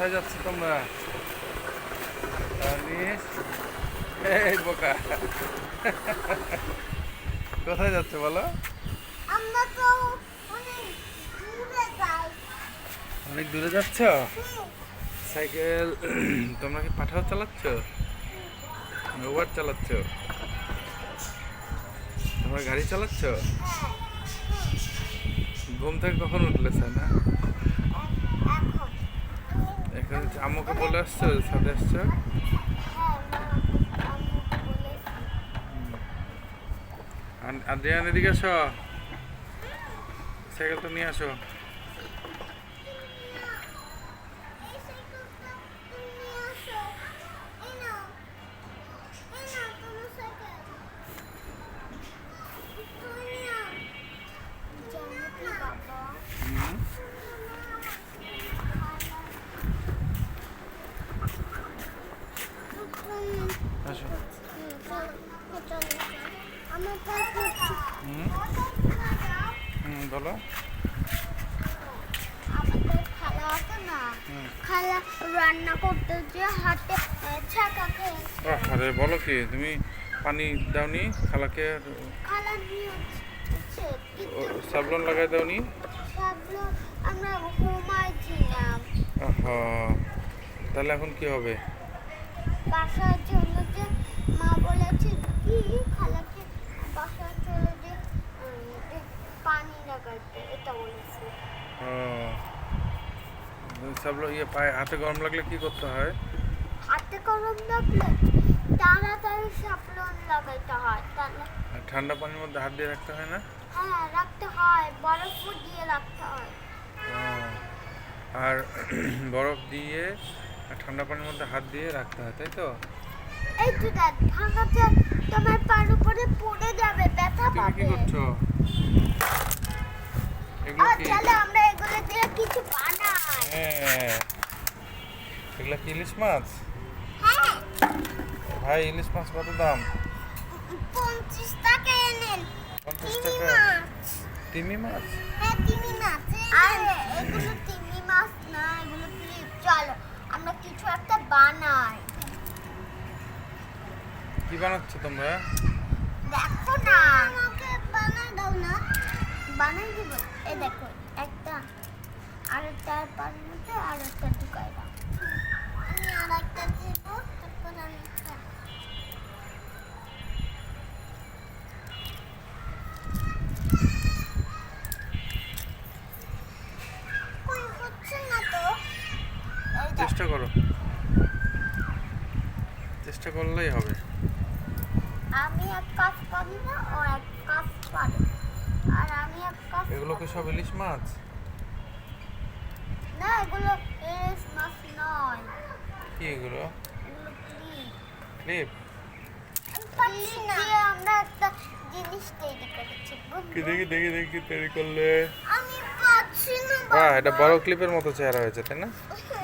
কোথায় যাচ্ছ তোমরা? তানিশ, এই বোকা, কোথায় যাচ্ছ বলো? আমরা তো অনেক দূরে যাই। অনেক দূরে যাচ্ছ? সাইকেল তোমরা কি পাঠাও চালাচ্ছ? ওভার চালাচ্ছ? তোমরা গাড়ি চালাচ্ছ? ঘুম থেকে কখন উঠলে না? এখন এখন আম্মুকে বলে আসছো সাথে আসছো? আদ্রিয়ান এদিকে আসো, সাইকেলটা নিয়ে আসো। হুম, আসো। হুম হুম, বলো। আমাদের খালা আছে না, হুম, খালা রান্না করতে যে হাতে ছাকা খেয়েছে। আরে বলো কি তুমি, পানি দাওনি খালাকে? খালা নিয়ে হচ্ছে কিন্তু সাবলন লাগাই দাওনি? সবগুলো আমরা ঘুমাইছিলাম। আহা, তাহলে এখন কি হবে? বাসায় চলে যে মা বলেছে কি খালাকে বাসায় চলে যে যে পানি লাগাইতে, এটা বলেছে। সাবলন ইয়ে পায়ে হাতে গরম লাগলে কি করতে হয়? হাতে গরম লাগলে তাড়াতাড়ি সাবলন লাগাইতে হয়, তাহলে আর ঠান্ডা পানির মধ্যে হাত দিয়ে রাখতে হয় না? হ্যাঁ রাখতে হয়, বরফও দিয়ে রাখতে হয়। আহ, আর বরফ দিয়ে আর ঠান্ডা পানির মধ্যে হাত দিয়ে রাখতে হয়, তাই তো? এই তো দেখ ভাঙাতে তোমার পার উপরে পড়ে যাবে, ব্যথা তুমি কি পাবে। করছো? এগুলো আর কি? চলো আমরা এগুলো দিয়ে কিছু বানাই। হ্যাঁ, এগুলো কি ইলিশ মাছ? হ্যাঁ ভাই ইলিশ মাছ কত দাম? 50 টাকা এনেন। 50 তিমি টাকা? মাছ। তিমি মাছ? হ্যাঁ তিমি মাছ। আর এগুলো তিমি মাছ না, এগুলো ক্লিপ। চলো আমরা কিছু একটা বানাই। কি বানাচ্ছ তোমরা? দেখো না, আমাকে বানাই দাও না। বানাই দিব। এই দেখো একটা, আরেকটা পানির মধ্যে আরেকটা ঢুকাই দাও। আমি আরেকটা দিব, তারপর আমি কই হচ্ছে না তো। এই দেখ, চেষ্টা করো, চেষ্টা করলেই হবে। আমি এক কাজ পারি না, ও এক কাজ পারে। আর আমি এক কাজ এগুলো কি সব ইলিশ মাছ? না, এগুলো ইলিশ মাছ নয়, কি এগুলো? এগুলো ক্লিপ। ক্লিপ? ক্লিপ দিয়ে আমরা একটা জিনিস তৈরি করেছি। কি দেখি দেখি দেখি তৈরি করলে? আমি পাচ্ছি না বাহ, এটা বাবা। বড় ক্লিপের মতো চেহারা হয়েছে, তাই না?